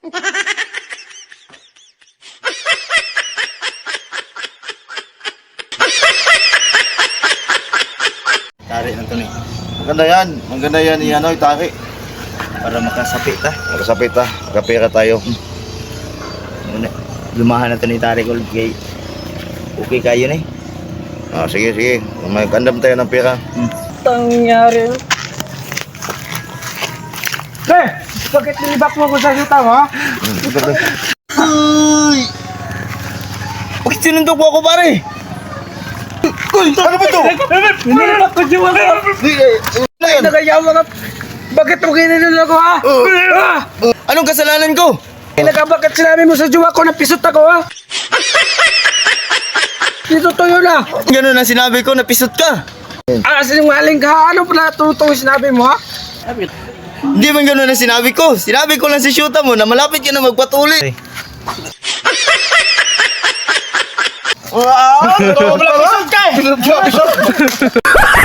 Tari na ito ni. Maganda yan. Maganda yan i-ano, itari. Para makasapit ha. Makasapit ha. Makapira tayo. Lumahan na ito ni Tari ko. Okay kayo ni. Sige, sige. May kandam tayo ng pira. Tangyari. Bakit nilibak mo ko sa yuta mo? Uy! Bakit sinundok mo ako pare? Uy! Ano ba ito? Nilibak ko siya ako. Nagayawa ka. Bakit mo ginilala ko ha? Anong kasalanan ko? Bakit sinabi mo sa jowa ko na pisot ako ha? Dito tuyo na. Ganun ang sinabi ko, napisot ka. Sinungaling ka. Ano pala tutong sinabi mo ha? Hindi man ganun ang sinabi ko. Sinabi ko lang si Shuta mo na malapit ka na magpatuli. Wow! Pisot ka eh!